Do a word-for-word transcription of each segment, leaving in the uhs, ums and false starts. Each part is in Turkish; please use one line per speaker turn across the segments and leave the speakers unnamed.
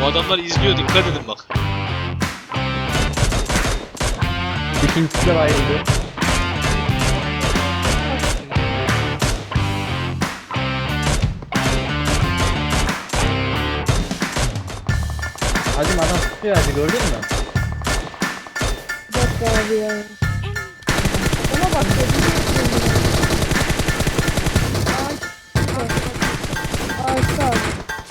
Bu adamlar izliyor, dikkat edin bak.
İkincisi de bayıldı. Hacım adam tutuyor hacı, gördün mü?
Bir dakika abi ya. Ona bak ya. Ağaç. Ağaçta abi.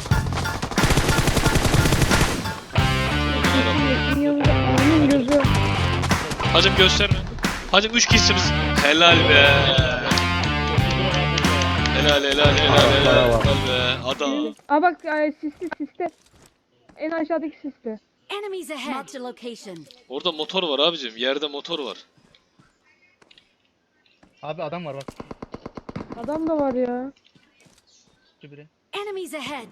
Onun gözü.
Hacım gösterme. Hacım üç kişisiniz. Helal be. Helal helal helal helal, helal be. Adam.
Aa bak ay, sisli sisli. En aşağıdaki sisli.
Enemies ahead. Marked a location.
Orada motor var abicim. Yerde motor var.
Abi adam var bak.
Adam da var ya.
Şu biri.
Enemies ahead.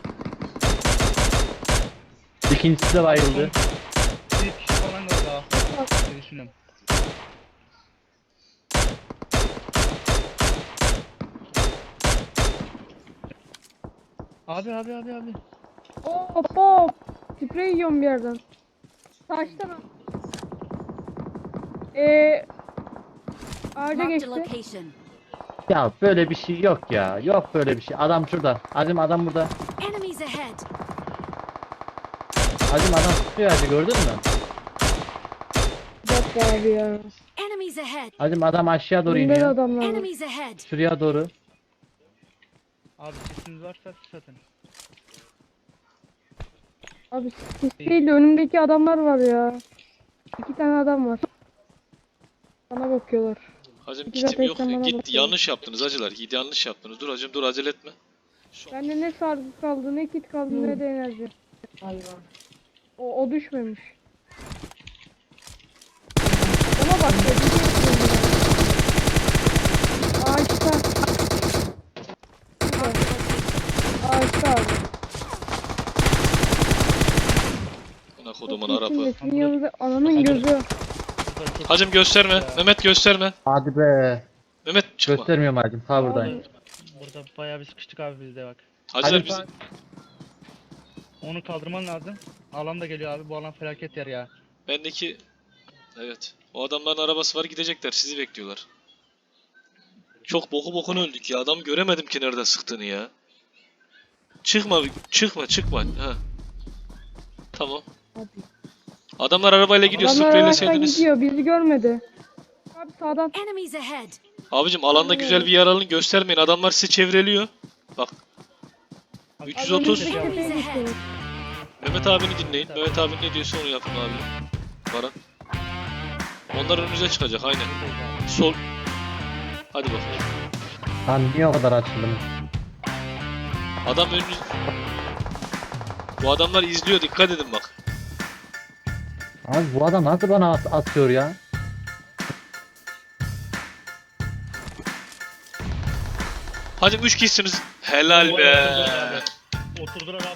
İkincisi de bayıldı.
Bir kişi falan var daha. Ne düşünüyorum. Abi abi abi abi.
Hop hop. Sprey yiyorum bir yerden. Taştan al. Eee ağaca
Marked a
geçti.
location.
Ya böyle bir şey yok ya. Yok böyle bir şey. Adam şurada. Hacım adam burada.
Enemies ahead.
Hacım adam tutuyor hacı, gördün mü?
Bir dakika abi ya.
Enemies ahead.
Hacım adam aşağı doğru
Bunda da
iniyor.
adamlar var.
Enemies ahead.
Şuraya doğru.
Abi sesiniz varsa sis atın.
Abi sis değil de önümdeki adamlar var ya. İki tane adam var. Bana bakıyorlar.
Hacım
İki
kitim yok.
zaten bana
Git
bakıyor.
yanlış yaptınız hacılar. Git yanlış yaptınız. Dur hacım dur, acele etme.
Bende ne sargı kaldı, ne kit kaldı, ne de enerji. O, o düşmemiş. Ona bak ya. Ağaçta. Şurada. Ağaçta abi.
Ana kodumun
Çok
Arap'ı.
iyisin de, yanında ananın gözü.
Hacım gösterme. Mehmet gösterme.
Hadi be.
Mehmet çıkma.
Göstermiyorum hacım. Ha buradayım.
Burada bayağı bir sıkıştık abi biz de bak.
Hacılar
Hadi
bizi...
bak.
Onu kaldırman lazım. Alan da geliyor abi. Bu alan felaket yer ya.
Bendeki... Evet. O adamların arabası var, gidecekler. Sizi bekliyorlar. Çok boku bokuna öldük ya. Adam göremedim ki nerede sıktığını ya. Çıkma, çıkma, çıkma. Ha. Tamam.
Hadi.
Adamlar arabayla gidiyor.
Adamlar araçtan
Spreyleseydiniz.
gidiyor, bizi görmedi. Abi sağdan.
Enemies ahead.
Abicim alanda güzel bir yer alın, göstermeyin. Adamlar sizi çevreliyor. Bak.
Abi,
üç yüz otuz.
Önümüzdeki tepeye geçiyoruz.
Mehmet abini dinleyin. Mehmet abi ne diyorsa onu yapın abi. Baran. Onlar önünüze çıkacak aynen. Sol. Hadi bakalım.
Lan niye o kadar açıldım?
Adam önünüz... Bu adamlar izliyor, dikkat edin bak.
Abi bu adam nasıl bana at atıyor ya?
Hadi üç kişisiniz. Helal be.
Oturdular